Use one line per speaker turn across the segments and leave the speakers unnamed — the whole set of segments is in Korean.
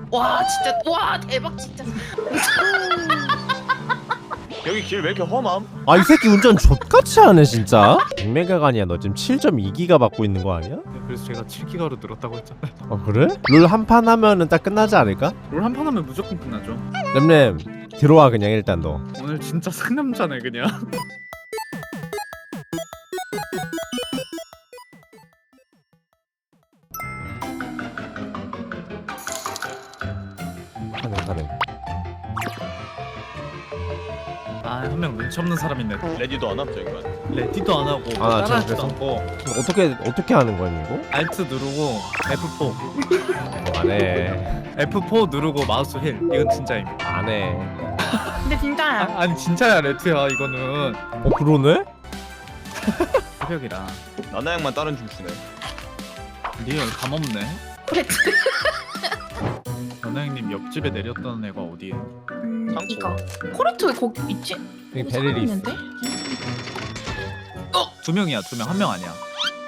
와 진짜 와 대박 진짜.
여기 길 왜 이렇게 험함?
아 이 새끼 운전 족같이 하네 진짜. 100메가가 아니야. 너 지금 7.2기가 받고 있는 거 아니야?
그래서 제가 7기가로 늘었다고 했잖아요.
아 그래? 롤 한 판 하면은 딱 끝나지 않을까?
롤 한 판 하면 무조건 끝나죠.
램램 들어와 그냥 일단 너.
오늘 진짜 상남자네 그냥.
가능.
아 한 명 눈치 없는 사람 있네.
레디도 안 함, 저 인간.
레디도 안 하고
아,
따라하지도
그래서?
않고
어떻게 하는 거야 이거?
알트 누르고 F4
안해.
F4 누르고 마우스 힐. 이건 진짜임.
안해.
근데 진짜야.
아니 진짜야 레트야 이거는.
어 그러네?
새벽이라.
나나 양만 다른 중 주네.
리얼 감없네.
코레트.
연아 형님 옆집에 내렸던 애가 어디에?
이거. 코레트 왜 거기 있지?
여기
어디
베릴이 있어.
있는데?
두 명이야 두 명. 한 명 아니야.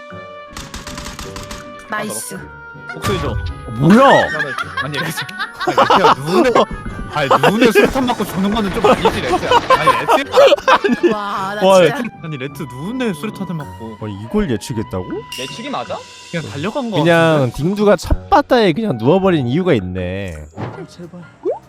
나이스.
목소리 줘.
뭐야?
아니 레트. 아니 레트야 눈에 수류탄 맞고 죽는 거는 좀 아니지 레트야. 아니 레트.
와나
와,
진짜.
아니 레트 눈에 수류탄을 맞고
이걸 예측했다고?
내치기 맞아?
그냥 달려간 거.
그냥 딩두가 찻바다에 그냥 누워버린 이유가 있네.
제발.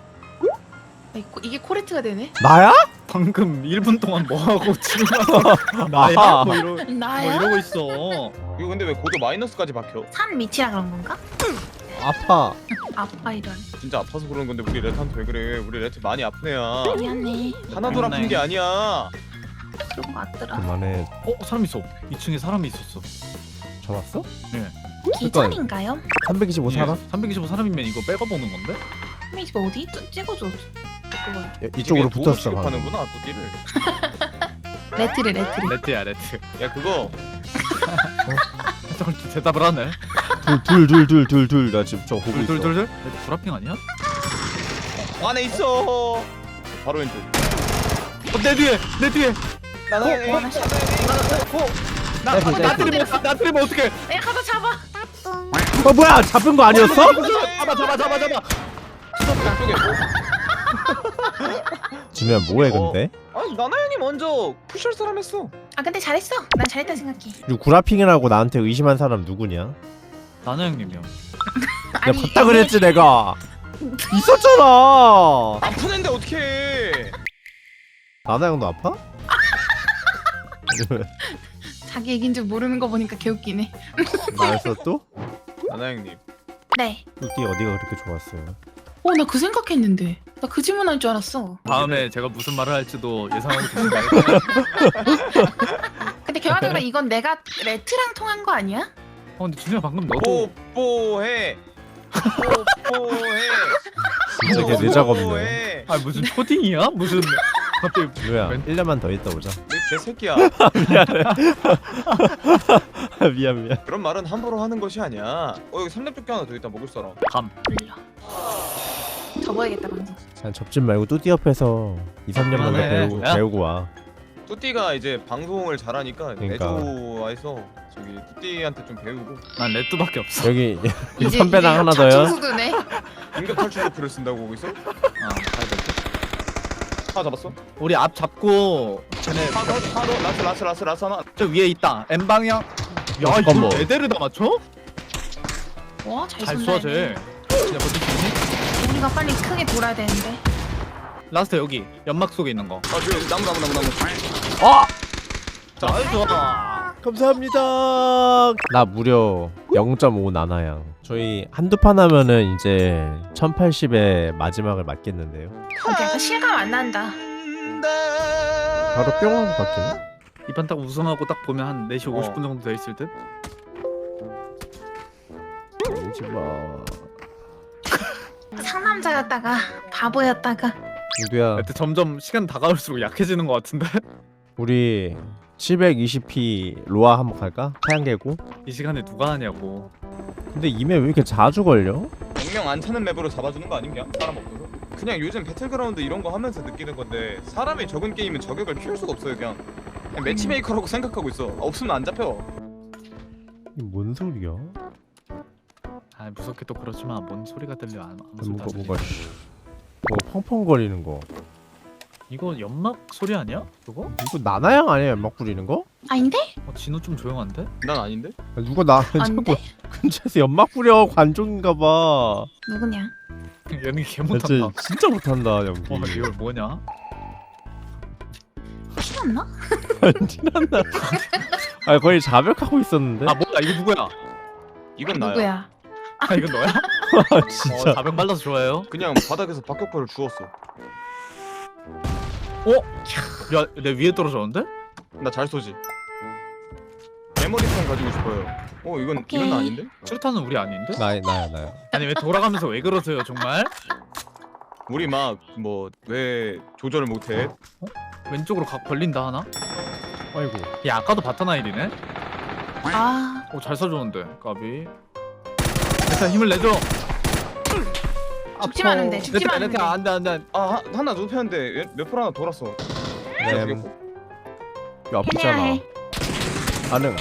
이게 코레트가 되네?
나야?
방금 1분 동안 뭐 하고 지금 와서 나야 뭐
나야?
이러고 있어.
이거 근데 왜 고도 마이너스까지 박혀?
산 밑이라 그런 건가?
아파.
아빠 이런.
진짜 아파서 그러는 건데 우리 레트한테 왜 그래? 우리 레트 많이 아픈 애야.
미안해.
하나도 아픈 게 아니야.
그런 거 같더라.
그만해.
사람 있어. 2층에 사람이 있었어.
전 왔어?
기절인가요?
325 살아?
325 사람이면 이거 빼고 보는 건데?
이거 어디? 찍어줘. 그거.
이쪽으로
도구
붙었어.
취급하는구나 또 띠를.
레트를.
레트야 레트.
야 그거
저걸 대답을 하네.
둘. 나 지금 저거 보고 있어.
둘. 레트 브라핑 아니야?
안에 있어. 바로 왼쪽.
내 뒤에 내 뒤에.
나나
나 때리면 어떡해?
야 가서 잡아.
뭐야? 잡은 거 아니었어?
잡아.
왼쪽에.
준우야 뭐해 근데?
아니 나나 형이 먼저 푸시할 사람 했어.
아 근데 잘했어. 난 잘했다 생각해.
그리고 구라핑이라고 나한테 의심한 사람 누구냐?
나나 형님이요.
내가 봤다 그랬지 내가. 있었잖아.
아픈 애인데 어떡해.
나나 형도 아파?
자기 얘기인 줄 모르는 거 보니까 개웃기네.
나였어 또?
나나 형님.
네.
뚜띠 어디가 그렇게 좋았어요?
나 그 생각했는데. 나 그 질문할 줄 알았어.
다음에 제가 무슨 말을 할지도 예상하고 계신가요?
근데 결과적으로 이건 내가 레트랑 통한 거 아니야?
근데 준이야 방금 너도
뽀뽀해. 뽀뽀해.
진짜 걔 내작 없네.
무슨 초딩이야? 무슨 갑자기
준우야 1년만 더 있다 오자.
내 새끼야.
미안.
그런 말은 함부로 하는 것이 아니야. 여기 삼겹조개 하나 더 있다 먹을 사람.
감.
몰라. 접어야겠다 방송.
난 접진 말고 뚜띠 옆에서 2, 3년 만에
그만해.
배우고 와.
뚜띠가 이제 방송을 잘하니까
그러니까.
내조와해서 저기 뚜띠한테 좀 배우고
난 레트밖에 없어.
여기 선배랑 하나 더요?
수두네.
인격 탈출 로프를 쓴다고 거기서?
가야 돼.
하나 잡았어?
우리 앞 잡고 쟤네
라스 하나.
저 위에 있다. M 방향. 야
잠깐만.
이걸 네 대를 다 맞춰?
와잘
잘
쏜다.
쏴 쟤. 진짜 버틸 수 있니?
우리가 빨리 크게 돌아야 되는데.
라스트 여기 연막 속에 있는 거.
아 저기 나무.
자, 좋아.
감사합니다. 나 무려 0.5 나나양. 저희 한두 판 하면은 이제 1080에 마지막을 맞겠는데요.
약간 실감 안 난다.
바로 뿅 하고 바뀌네.
이판 딱 우승하고 딱 보면 한 4시 50분 정도 돼 있을 듯.
울지 마.
상남자였다가 바보였다가.
누구야?
하여튼 점점 시간 다가올수록 약해지는 것 같은데.
우리 720p 로아 한번 갈까? 태양계고?
이 시간에 누가 하냐고.
근데 이메 왜 이렇게 자주 걸려?
100명 안 차는 맵으로 잡아주는 거 아님 그냥? 사람 없어서? 그냥 요즘 배틀그라운드 이런 거 하면서 느끼는 건데 사람이 적은 게임은 저격을 피할 수가 없어요 그냥 매치메이커라고 생각하고 있어 없으면 안 잡혀.
이게 뭔 소리야?
아 무섭게 또 그렇지만 뭔 소리가 들려 아무 소리도
뭐가
안 들려.
뭐가 뭐 펑펑거리는 거.
이거 연막 소리 아니야? 그거?
이거 나나양 아니야 연막 뿌리는 거?
아닌데?
진우 좀 조용한데?
난 아닌데?
누가 나 자꾸
아닌데?
근처에서 연막 뿌려 관종인가봐.
누구냐?
연기 개
진짜
못한다.
진짜 못한다 연기.
와 리얼 뭐냐?
신났나?
티난다. 아 거의 자백하고 있었는데.
아 뭐야 이거 누구야?
이건 나야.
누구야?
아 이건 너야?
아, 진짜.
400 발라서 좋아해요?
그냥 바닥에서 박격포를 주웠어.
야내 위에 떨어졌는데?
나 잘 쏘지. 메모리폰 가지고 싶어요. 이건
오케이.
이건 나 아닌데?
수류탄은 우리 아닌데?
나야.
아니 왜 돌아가면서 왜 그러세요 정말?
우리 막 뭐 왜 조절을 못해?
왼쪽으로 각 벌린다 하나?
아이고.
야 아까도 바타나일이네?
아,
잘 쏴줬는데 까비 일단 힘을 내줘.
죽지 마는데, 죽지 마는데.
안돼
아 하나 눕혔는데 몇풀 하나 돌았어.
램. 이거 아프잖아.
해야
반응.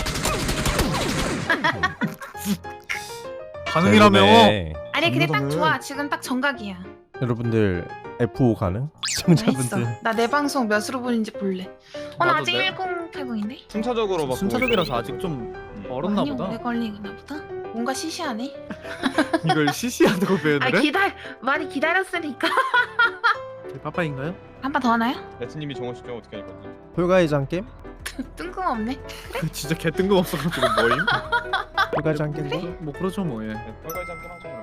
가능이라며.
네.
아니 근데 딱
이거는-
좋아. 지금 딱 정각이야.
여러분들 F5 가능?
했어.
시청자분들.
나 내 방송 몇으로 보는지 볼래. 나
나도
아직
내-
1080인데?
순차적으로 막
순차적이라서 아직 좀 멀었나
많이
보다.
오래 걸리나 보다. 뭔가 시시하네.
이걸 CC한다고
아
표현을 해?
많이 기다렸으니까.
빠빠인가요?
한 판 더 하나요?
레트님이 정하시죠 어떻게 할 건지.
폴가이장 게임?
뜬금없네.
진짜 개 뜬금없어가지고 뭐임?
폴가이장 게임?
뭐 그렇죠 뭐 예.
네, 빨간지 함께 하죠.